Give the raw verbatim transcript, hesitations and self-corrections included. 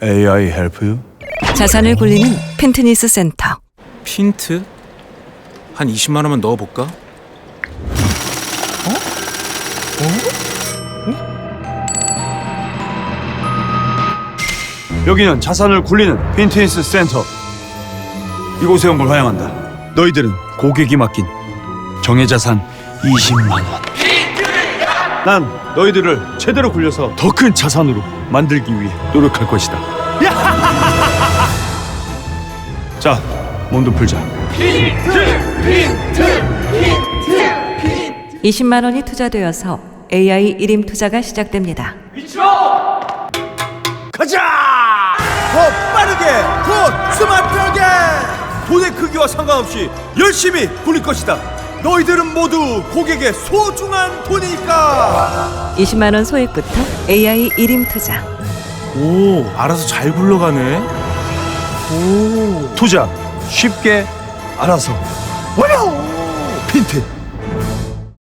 에이아이 help you? 자산을 굴리는 핀트니스 센터. 핀트? 한 이십만 원만 넣어볼까? 여기는 자산을 굴리는 핀트니스 센터. 이곳에 온 걸 환영한다. 너희들은 고객이 맡긴 정예자산 이십만 원. 난 너희들을 제대로 굴려서 더 큰 자산으로 만들기 위해 노력할 것이다. 자, 몸도 풀자. 이십만 원이 투자되어서 에이아이 일임 투자가 시작됩니다. 가자! 더 빠르게, 더 스마트하게! 돈의 크기와 상관없이 열심히 굴릴 것이다. 너희들은 모두 고객의 소중한 돈이니까. 이십만 원 소액부터 에이아이 일임 투자. 오, 알아서 잘 굴러가네. 투자 쉽게 알아서. 와요! 핀트.